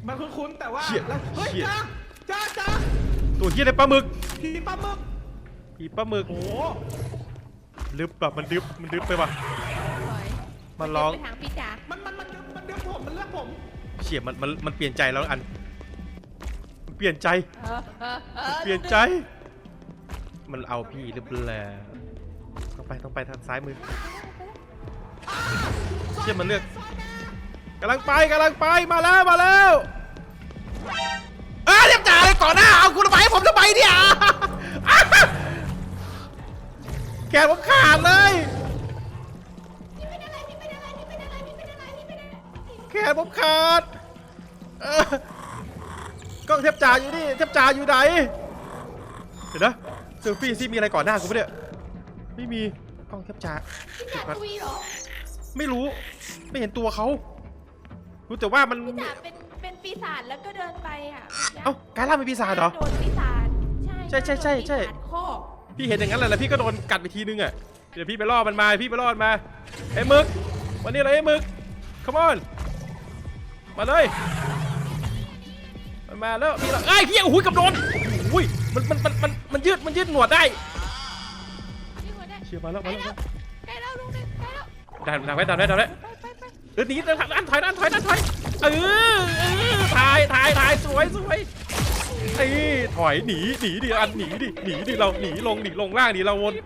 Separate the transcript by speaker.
Speaker 1: มันคุ้นๆแต่ว่า
Speaker 2: เชี่ย
Speaker 1: เฮ้ย
Speaker 2: เชี่ย
Speaker 1: จ้า
Speaker 2: ตัวเหี้ยในปลาหมึก
Speaker 1: ผีปลาหมึก
Speaker 2: ผีปลาหมึก
Speaker 1: โอ้
Speaker 2: ลึบแบบมันดึบไปว่ะ
Speaker 3: ถอย
Speaker 2: มันร้อง
Speaker 3: ไปทางพี่จ๋า
Speaker 1: มันเดี๋ยวผมมันเลือกผม
Speaker 2: เชี่ยมันเปลี่ยนใจแล้วอันมันเปลี่ยนใจ เปลี่ยนใจ มันเอาพี่หรือเปล่าต้องไปทางซ้ายมือเชี่ยมันเลือกกำลังไปมาแล้วเรียบจ่าเลยก่อนหน้าเอาคุณไปให้ผมทำไมเนี่ยแขนผมขาดเลยแขนผมขาดกล้องเทปจ่าอยู่นี่เทปจ่าอยู่ไหนเดี๋ยวนะเซลฟี่ซิมีอะไรก่อนหน้ากูปะเนี่ยไม่มีกล้องเทปจ่า
Speaker 3: พี่จ๋าคุยเหรอ
Speaker 2: ไม่รู้ไม่เห็นตัวเขารู้แต่ว่ามัน
Speaker 3: พี่จ๋าเป็นปีศาจแล้วก็เดินไปอ่ะ
Speaker 2: เอ้าการล่าเป็นปีศาจเหรอ
Speaker 3: โดนปีศาจใช่
Speaker 2: ใช่
Speaker 3: โดนปีศาจข้อ
Speaker 2: พี่เห็นอย่างนั้นแหละแล้วพี่ก็โดนกัดไปทีนึงอ่ะเดี๋ยวพี่ไปล่อมันมาไอ้หมึกวันนี้อะไรไอ้หมึก come on มาเลยมันมาแล้วพี่ละไอ้เหี้ยโอ้ยกับโดนอุ้ยมันยืดหนวดได้
Speaker 3: นี่หัวได้
Speaker 2: เชียร์มาแล้ว
Speaker 3: ใกล้แล้วลุงเลยใกล้แล้ว
Speaker 2: ดันไว้
Speaker 3: ไป
Speaker 2: หนีด้านถอยถ่ายสวยถอยหนีดิอันหนีดิเราหนีลงล่างดิเราวน